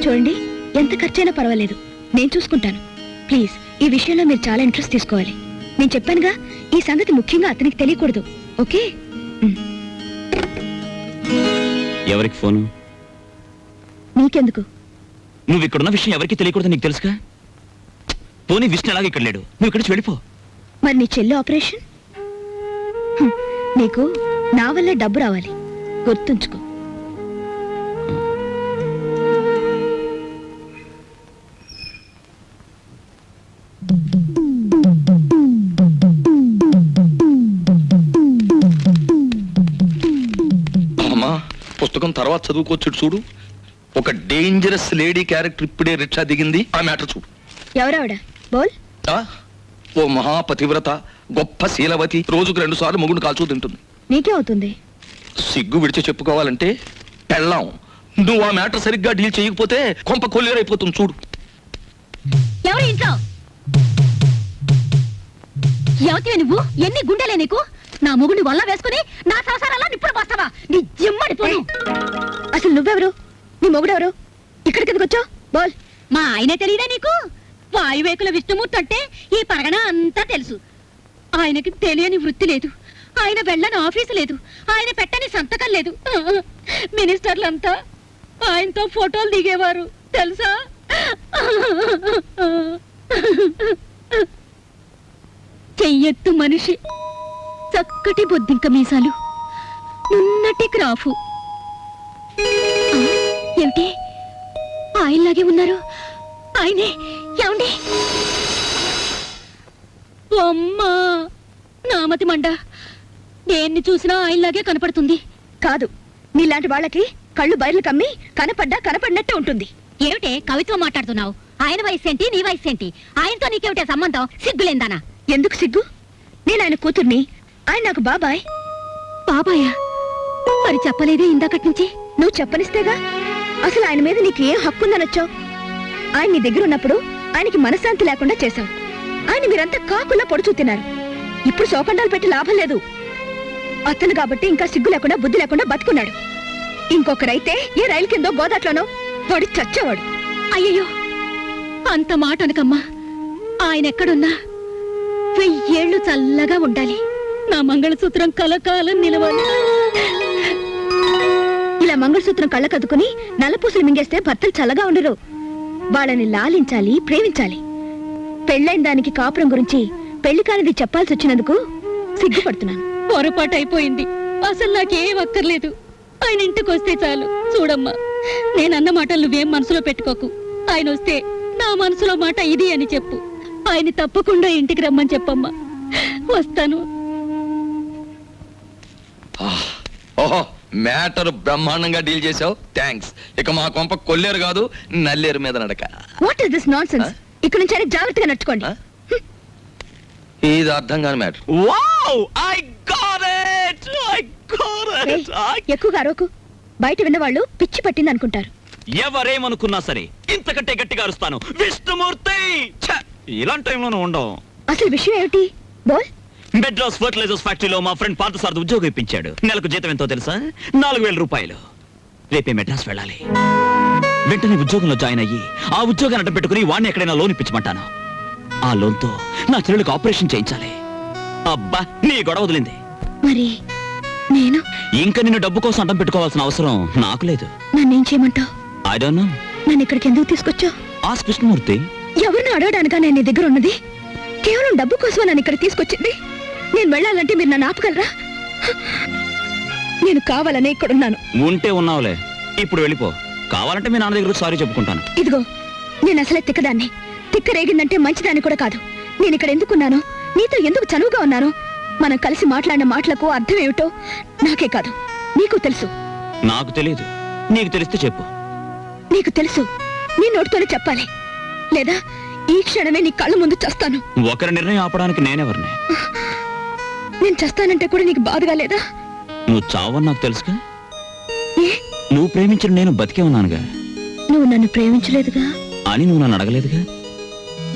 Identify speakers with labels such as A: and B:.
A: చూడండి, ఎంత ఖర్చైనా పర్వాలేదు, నేను చూసుకుంటాను. ప్లీజ్, ఈ విషయంలో మీరు చాలా ఇంట్రెస్ట్ తీసుకోవాలి. నేను చెప్పానుగా, ఈ సంగతి ముఖ్యంగా అతనికి తెలియకూడదు. ఓకే?
B: ఎవరికి ఫోను?
A: నీకెందుకు?
B: నువ్వు ఇక్కడున్న విషయం ఎవరికి తెలియకూడదు, నీకు తెలుసుగా. పోనీ విష్ణు ఎలాగ ఇక్కడ లేడు, నువ్వు ఇక్కడ వెళ్ళిపో.
A: మరి నీ చెల్లి ఆపరేషన్? నీకు నా వల్లే డబ్బు రావాలి, గుర్తుంచుకో.
C: అమ్మా, పుస్తకం తర్వాత చదువుకోవచ్చు. చూడు, ఒక డేంజరస్ లేడీ క్యారెక్టర్ ఇప్పుడే రిక్షా దిగింది. ఆ మ్యాటర్ చూడు.
A: ఎవరావిడ? బోల్.
C: ఓ మహాపతివ్రత, గొప్ప శీలవతి, రోజుకు 2 సార్లు మొగుడు కాల్చూ తింటుంది.
A: నీకే అవుతుంది.
C: సిగ్గు విడిచి చెప్పుకోవాలంటే పెళ్ళాం. నువ్వు ఆ మ్యాటర్ సరిగ్గా డీల్ చేయకపోతే కొంప కొల్లేరైపోతుంది. చూడు.
A: ఎవరు ఇంట్లో? ఎవతివే నువ్వు? ఎన్ని గుండెలే నీకు? నా మొగుడిని వల్ల వేసుకుని నా సంసారాల్లో నిప్పుడు పోస్తావా? నీ జిమ్మడి పోను. అసలు నువ్వెవరు? నీ మొగుడెవరు? ఇక్కడికి ఎందుకు వచ్చావు? బోల్.
D: మా ఆయనే తెలియదా నీకు? వాయువేకుల విష్ణుమూర్తి అంటే ఈ పరగణ అంతా తెలుసు. ఆయనకి తెలియని వృత్తి లేదు, ఆయన వెళ్ళని ఆఫీసు లేదు, ఆయన పెట్టని సంతకం లేదు. మినిస్టర్లంతా ఆయనతో ఫోటోలు దిగేవారు తెలుసా? చెయ్యెత్తు మనిషి, చక్కటి బొద్దింక మీసాలు, నున్నటి క్రాఫు. ఏమిటి ఆయనలాగే ఉన్నారు? ఆయనే. ఏమండి? అమ్మా, నామతి మండ, దేన్ని చూసినా ఆయనలాగే కనపడుతుంది.
A: కాదు, నీలాంటి వాళ్ళకి కళ్ళు బయర్లు కమ్మి కనపడినట్టే ఉంటుంది.
D: ఏమిటే కవిత్వం మాట్లాడుతున్నావు? ఆయన వయసు ఏంటి, నీ వయసు ఏంటి? ఆయనతో నీకేమిటే సంబంధం? సిగ్గులేందానా?
A: ఎందుకు సిగ్గు? నేను ఆయన కూతుర్ని, ఆయన నాకు బాబాయ్.
D: బాబాయా? మరి చెప్పలేదే ఇందాకటి నుంచి?
A: నువ్వు చెప్పనిస్తేగా. అసలు ఆయన మీద నీకు ఏం హక్కుందనొచ్చావు? ఆయన నీ దగ్గర ఉన్నప్పుడు ఆయనకి మనశ్శాంతి లేకుండా చేశావు. ఆయన మీరంతా కాకుల్లా పొడుచూ తిన్నారు. ఇప్పుడు శోకండాలు పెట్టి లాభం లేదు. అతను కాబట్టి ఇంకా సిగ్గు లేకుండా బుద్ధి లేకుండా బతుకున్నాడు. ఇంకొకరైతే ఏ రైలు కిందో గోదాట్లోనో పడి చచ్చేవాడు.
D: అయ్యయ్యో, అంత మాట అనకమ్మా. ఆయన ఎక్కడున్నా 1000 ఏళ్ళు చల్లగా ఉండాలి. నా మంగళసూత్రం కలకాలం నిలవాలి.
A: ఇలా మంగళసూత్రం కళ్ళకద్దుకుని నల్లపూసలు మింగేస్తే భర్తలు చల్లగా ఉండరు. వాళ్ళని లాలించాలి, ప్రేమించాలి. పెళ్ళైన దానికి కాపురం గురించి పెళ్లి కానిది చెప్పాల్సి వచ్చినందుకు సిగ్గుపడుతున్నాను.
D: పొరపాటు అయిపోయింది. అసలు నాకేం అక్కర్లేదు. ఆయన ఇంటికి వస్తే చాలు. చూడమ్మా, నేనన్న మాటలు నువ్వేం మనసులో పెట్టుకోకు. ఆయన వస్తే నా మనసులో మాట ఇది అని చెప్పు. ఆయన తప్పకుండా ఇంటికి రమ్మని చెప్పమ్మా. వస్తాను.
C: ఓహో, మ్యాటర్ బ్రహ్మాండంగా డీల్ చేసావు. థ్యాంక్స్. ఇక మా కొంప కొల్లేరు కాదు, నల్లేరు మీద నడక.
A: What is this nonsense? ఇక్కడ నుంచి ఆయన జాగ్రత్తగా నడుచుకోండి.
C: ఇది అర్థం కాని matter.
B: Wow, I got it.
A: ఎక్కువగా అరవకు. బయట విన్నవాళ్ళు పిచ్చి పట్టింది అనుకుంటారు.
B: ఎవరేమనుకున్నా సరే ఇంతకంటే గట్టిగా అరుస్తాను. విష్ణుమూర్తి. ఇలాంటి టైంలోనూ ఉండవు.
A: అసలు విషయం ఏమిటి? బోల్.
B: మెడ్రాస్ ఫర్టిలైజర్స్ ఫ్యాక్టరీలో మా ఫ్రెండ్ పార్థసారథి ఉద్యోగం ఇప్పించాడు. నెలకు జీతం ఎంతో తెలుసా? 4000 రూపాయలు. రేపే మెడ్రాస్ వెళ్ళాలి. వెంటనే ఉద్యోగంలో జాయిన్ అయ్యి ఆ ఉద్యోగాన్ని అడ్డం పెట్టుకుని వాడిని ఎక్కడైనా లోన్ ఇప్పించమంటాను. ఆ లోన్తో నా చెల్లెలకు ఆపరేషన్ చేయించాలి. అబ్బా, నీ గొడవ వదిలింది.
A: మరి నేను
B: ఇంకా నిన్ను డబ్బు కోసం అడ్డం పెట్టుకోవాల్సిన అవసరం నాకు లేదు.
A: నన్నేం చేయమంటావు?
B: I don't know.
A: నన్ను ఇక్కడికి ఎందుకు తీసుకొచ్చావు?
B: ఆస్క్ కృష్ణమూర్తి.
A: ఎవరిని అడగడానికా నేను నీ దగ్గర ఉన్నది? కేవలం డబ్బు కోసమే నన్ను ఇక్కడ తీసుకొచ్చింది. నేను వెళ్ళాలంటే మీరు నన్ను ఆపగలరా? నేను కావాలనే ఇక్కడున్నాను.
B: ఉంటే ఉన్నావులే, ఇప్పుడు వెళ్ళిపో. కావాలంటే మీ నాన్న దగ్గర సారీ చెప్పుకుంటాను.
A: ఇదిగో, నేను అసలే తిక్కదాన్ని. తిక్క రేగిందంటే మంచిదాన్ని కూడా కాదు. నేను ఇక్కడ ఎందుకున్నాను, నీతో ఎందుకు చనువుగా ఉన్నాను, మనం కలిసి మాట్లాడిన మాటలకు అర్థం ఏమిటో నాకే కాదు నీకు తెలుసు.
B: నాకు తెలియదు, నీకు తెలిస్తే చెప్పు.
A: నీకు తెలుసు, నీ నోటితోనే చెప్పాలి. లేదా ఈ క్షణమే నీ కళ్ళ ముందు చస్తాను.
B: ఒకరి నిర్ణయం ఆపడానికి నేనెవరిని?
A: నేను చస్తానంటే కూడా నీకు బాధగా లేదా?
B: నువ్వు చావని నాకు తెలుసుగా. నువ్వు ప్రేమించిన నేను బతికే ఉన్నానుగా.
A: నువ్వు నన్ను ప్రేమించలేదుగా
B: అని నువ్వు నన్ను అడగలేదుగా.